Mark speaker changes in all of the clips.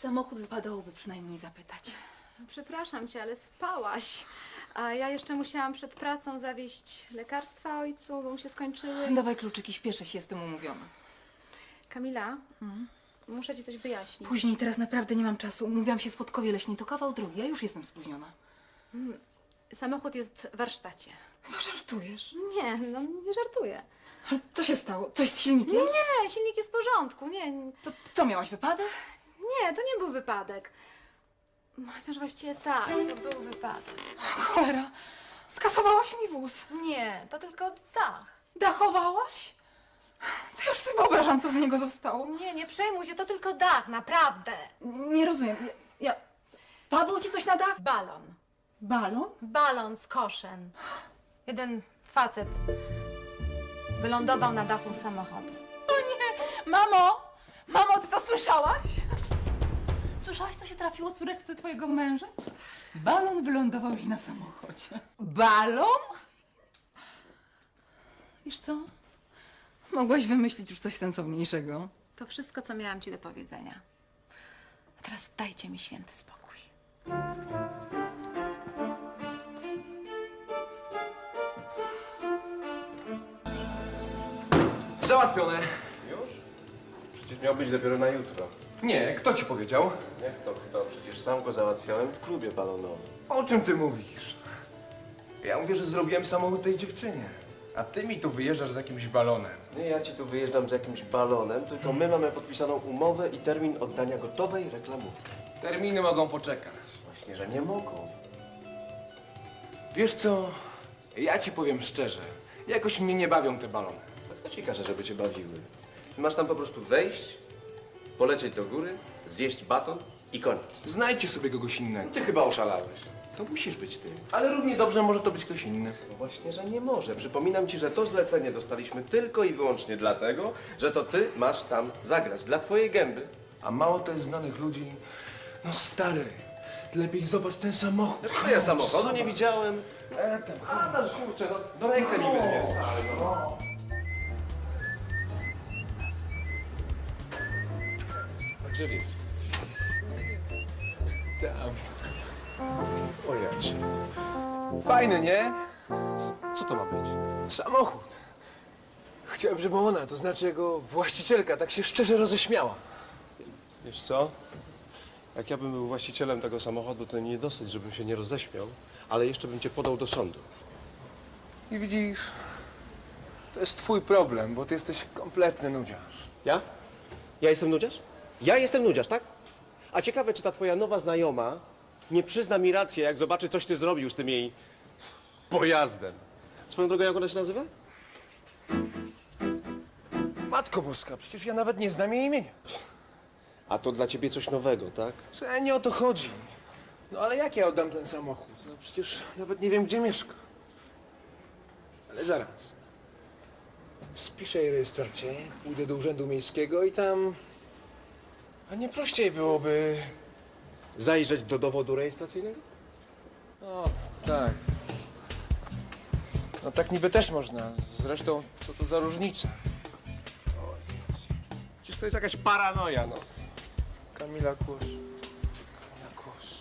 Speaker 1: samochód wypadałoby przynajmniej zapytać.
Speaker 2: Przepraszam cię, ale spałaś. A ja jeszcze musiałam przed pracą zawieźć lekarstwa ojcu, bo mu się skończyły.
Speaker 1: Dawaj kluczyki, śpieszę się, jestem umówiona.
Speaker 2: Kamila, muszę ci coś wyjaśnić.
Speaker 1: Później, teraz naprawdę nie mam czasu. Umówiłam się w Podkowie Leśnej, to kawał drogi, ja już jestem spóźniona.
Speaker 2: Samochód jest w warsztacie.
Speaker 1: Chyba żartujesz.
Speaker 2: Nie, no nie żartuję.
Speaker 1: Ale co się stało? Coś z silnikiem?
Speaker 2: Nie, silnik jest w porządku.
Speaker 1: To co, miałaś wypadek?
Speaker 2: Nie, to nie był wypadek. Chociaż właściwie tak, to był wypadek.
Speaker 1: Cholera, skasowałaś mi wóz.
Speaker 2: Nie, to tylko dach.
Speaker 1: Dachowałaś? To już sobie wyobrażam, co z niego zostało.
Speaker 2: Nie przejmuj się, to tylko dach, naprawdę.
Speaker 1: Nie rozumiem. Spadło ci coś na dach?
Speaker 2: Balon.
Speaker 1: Balon?
Speaker 2: Balon z koszem. Jeden facet wylądował na dachu samochodu.
Speaker 1: O nie! Mamo! Mamo, ty to słyszałaś? Słyszałaś, co się trafiło córeczce twojego męża? Balon wylądował jej na samochodzie. Balon? Wiesz co? Mogłaś wymyślić już coś sensowniejszego.
Speaker 2: To wszystko, co miałam ci do powiedzenia. A teraz dajcie mi święty spokój.
Speaker 3: Załatwione.
Speaker 4: Już? Przecież miał być dopiero na jutro.
Speaker 3: Nie, kto ci powiedział?
Speaker 4: Jak to kto? Przecież sam go załatwiałem w klubie balonowym.
Speaker 3: O czym ty mówisz? Ja mówię, że zrobiłem samochód tej dziewczynie. A ty mi tu wyjeżdżasz z jakimś balonem.
Speaker 4: Nie, ja ci tu wyjeżdżam z jakimś balonem, tylko my mamy podpisaną umowę i termin oddania gotowej reklamówki.
Speaker 3: Terminy mogą poczekać.
Speaker 4: Właśnie, że nie mogą.
Speaker 3: Wiesz co? Ja ci powiem szczerze. Jakoś mnie nie bawią te balony.
Speaker 4: A kto ci każe, żeby cię bawiły? Masz tam po prostu wejść, polecieć do góry, zjeść baton i koniec.
Speaker 3: Znajdźcie sobie kogoś innego.
Speaker 4: Ty chyba oszalałeś.
Speaker 3: To musisz być ty. Ale równie dobrze może to być ktoś inny.
Speaker 4: No właśnie, że nie może. Przypominam ci, że to zlecenie dostaliśmy tylko i wyłącznie dlatego, że to ty masz tam zagrać, dla twojej gęby.
Speaker 3: A mało to jest znanych ludzi. No stary, ty lepiej zobacz ten samochód.
Speaker 4: Dlaczego ja samochodu nie widziałem?
Speaker 3: Tam.
Speaker 4: A, no kurczę, no do rękę mi wyrwie, stary, no. Także wiesz.
Speaker 3: Tam.
Speaker 4: O jacie.
Speaker 3: Fajny, nie?
Speaker 4: Co to ma być?
Speaker 3: Samochód. Chciałem, żeby ona, to znaczy jego właścicielka, tak się szczerze roześmiała.
Speaker 4: Wiesz co? Jak ja bym był właścicielem tego samochodu, to nie dosyć, żebym się nie roześmiał, ale jeszcze bym cię podał do sądu.
Speaker 3: I widzisz, to jest twój problem, bo ty jesteś kompletny nudziarz.
Speaker 4: Ja? Ja jestem nudziarz? Ja jestem nudziarz, tak? A ciekawe, czy ta twoja nowa znajoma nie przyzna mi rację, jak zobaczy, coś ty zrobił z tym jej pojazdem. Swoją drogą, jak ona się nazywa?
Speaker 3: Matko Boska, przecież ja nawet nie znam jej imienia.
Speaker 4: A to dla ciebie coś nowego, tak?
Speaker 3: Że nie o to chodzi. No ale jak ja oddam ten samochód? No przecież nawet nie wiem, gdzie mieszka. Ale zaraz. Spiszę jej rejestrację, pójdę do urzędu miejskiego i tam... A nie prościej byłoby...
Speaker 4: Zajrzeć do dowodu rejestracyjnego?
Speaker 3: No, tak. No tak niby też można. Zresztą, co to za różnica?
Speaker 4: Przecież to jest jakaś paranoja, no.
Speaker 3: Kamila Kłos. Kamila Kłos.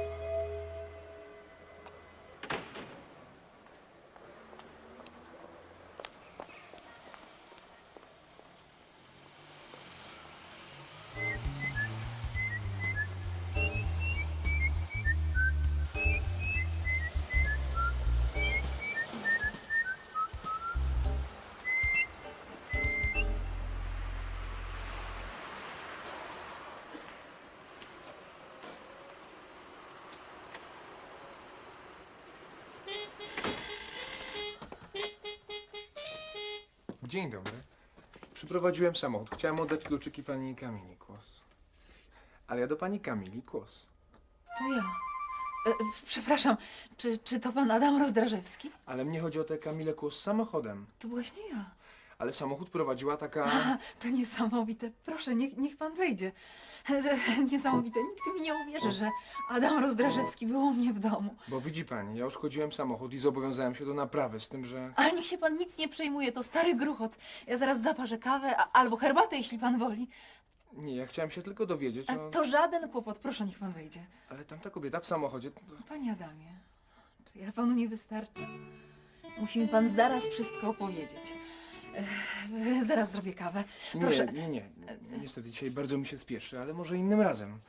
Speaker 3: Dzień dobry. Przyprowadziłem samochód. Chciałem oddać kluczyki pani Kamili Kłos. Ale ja do pani Kamili Kłos.
Speaker 1: To ja. Przepraszam, czy to pan Adam Rozdrażewski?
Speaker 3: Ale mnie chodzi o tę Kamilę Kłos z samochodem.
Speaker 1: To właśnie ja.
Speaker 3: Ale samochód prowadziła taka...
Speaker 1: A, to niesamowite. Proszę, niech pan wejdzie. Niesamowite. Nikt mi nie uwierzy, że Adam Rozdrażewski był u mnie w domu.
Speaker 3: Bo widzi pani, ja uszkodziłem samochód i zobowiązałem się do naprawy, z tym, że...
Speaker 1: Ale niech się pan nic nie przejmuje, to stary gruchot. Ja zaraz zaparzę kawę albo herbatę, jeśli pan woli.
Speaker 3: Nie, ja chciałem się tylko dowiedzieć,
Speaker 1: A to żaden kłopot, proszę, niech pan wejdzie.
Speaker 3: Ale tamta kobieta w samochodzie...
Speaker 1: Panie Adamie, czy ja panu nie wystarczę? Musi mi pan zaraz wszystko opowiedzieć. Zaraz zrobię kawę. Proszę.
Speaker 3: Nie. Niestety dzisiaj bardzo mi się spieszy, ale może innym razem.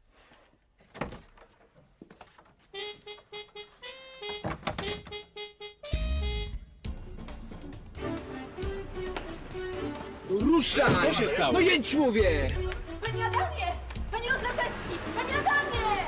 Speaker 3: Ruszaj!
Speaker 4: Co się stało?
Speaker 3: No jedź, mówię!
Speaker 1: Panie Adamie! Panie Rozdrażewski! Panie Adamie!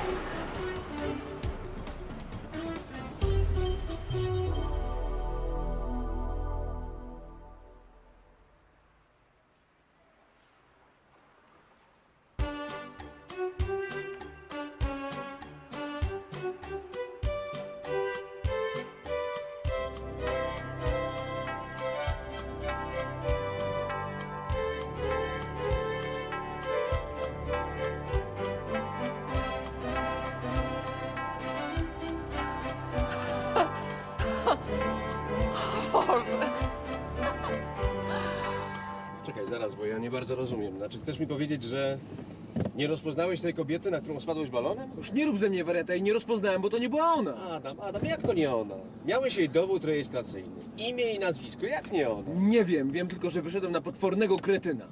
Speaker 4: Czekaj, zaraz, bo ja nie bardzo rozumiem. Znaczy, chcesz mi powiedzieć, że nie rozpoznałeś tej kobiety, na którą spadłeś balonem?
Speaker 3: Już nie rób ze mnie wariata i nie rozpoznałem, bo to nie była ona.
Speaker 4: Adam, jak to nie ona? Miałeś jej dowód rejestracyjny, imię i nazwisko, jak nie ona?
Speaker 3: Nie wiem tylko, że wyszedłem na potwornego kretyna.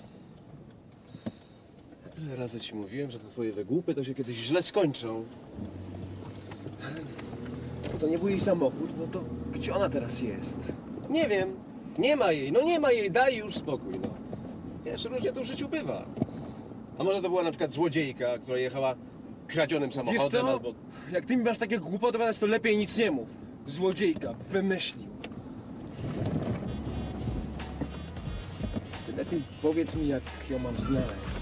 Speaker 4: Ja tyle razy ci mówiłem, że te twoje wygłupy to się kiedyś źle skończą.
Speaker 3: Bo to nie był jej samochód, no to gdzie ona teraz jest?
Speaker 4: Nie wiem, nie ma jej, daj już spokój, no. Wiesz, różnie to w życiu bywa. A może to była na przykład złodziejka, która jechała kradzionym
Speaker 3: Wiesz
Speaker 4: samochodem
Speaker 3: co?
Speaker 4: albo...
Speaker 3: Jak ty mi masz takie głupoty gadać, to lepiej nic nie mów. Złodziejka, wymyślił. Ty lepiej powiedz mi, jak ją mam znaleźć.